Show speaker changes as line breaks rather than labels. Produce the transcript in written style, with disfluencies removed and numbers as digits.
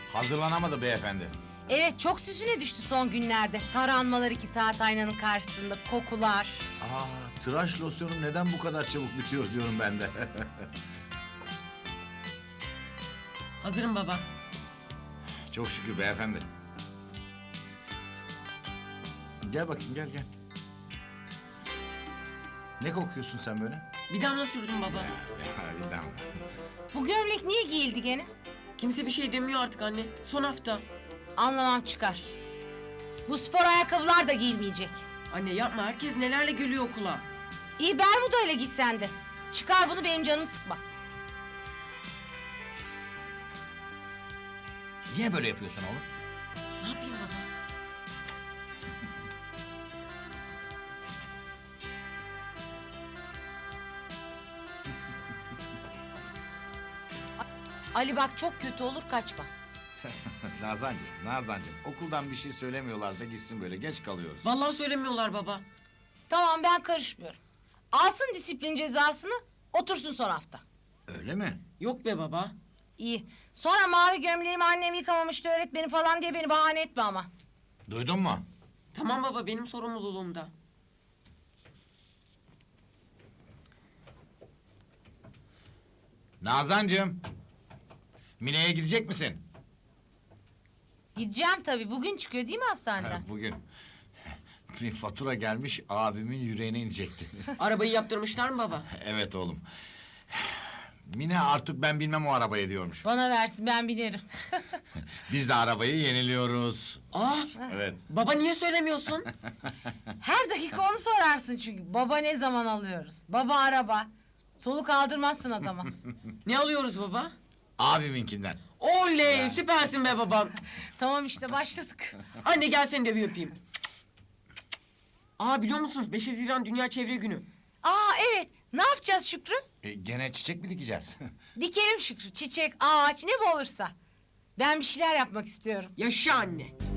Hazırlanamadı beyefendi.
Evet, çok süsüne düştü son günlerde. Taranmalar 2 saat aynanın karşısında, kokular.
Tıraş losyonu neden bu kadar çabuk bitiyor diyorum ben de.
Hazırım baba.
Çok şükür beyefendi. Gel bakayım, gel. Ne kokuyorsun sen böyle?
Bir damla sürdüm baba.
Bir damla.
Bu gömlek niye giyildi gene?
Kimse bir şey demiyor artık anne. Son hafta.
Anlamam çıkar. Bu spor ayakkabılar da giyilmeyecek.
Anne yapma, herkes nelerle geliyor okula.
İyi, Bermuda'yla gitsen de. Çıkar bunu, benim canımı sıkma.
Niye böyle yapıyorsun oğlum?
Ne yapayım baba?
Ali bak, çok kötü olur, kaçma.
Nazancığım, okuldan bir şey söylemiyorlarsa gitsin, böyle geç kalıyoruz.
Vallahi söylemiyorlar baba.
Tamam, ben karışmıyorum. Alsın disiplin cezasını, otursun son hafta.
Öyle mi?
Yok be baba.
İyi. Sonra mavi gömleğimi annem yıkamamıştı öğretmeni falan diye beni bahane etme ama.
Duydun mu?
Tamam baba, benim sorumluluğumda.
Nazancığım, Mine'ye gidecek misin?
Gideceğim tabii. Bugün çıkıyor değil mi hastaneden?
Bugün. Bir fatura gelmiş, abimin yüreğine inecekti.
Arabayı yaptırmışlar mı baba?
Evet oğlum. Mine artık ben bilmem o arabayı diyormuş.
Bana versin, ben binerim.
Biz de arabayı yeniliyoruz. Evet.
Baba niye söylemiyorsun?
Her dakika onu sorarsın çünkü. Baba ne zaman alıyoruz? Baba araba. Soluk aldırmazsın adama.
Ne alıyoruz baba?
Abiminkinden.
Oley, süpersin be babam.
Tamam işte, başladık.
Anne gel seni de bir öpeyim. Biliyor musunuz 5 Haziran Dünya Çevre Günü.
Evet. Ne yapacağız Şükrü?
Gene çiçek mi dikeceğiz?
Dikelim Şükrü. Çiçek, ağaç, ne bu olursa. Ben bir şeyler yapmak istiyorum.
Yaşa anne.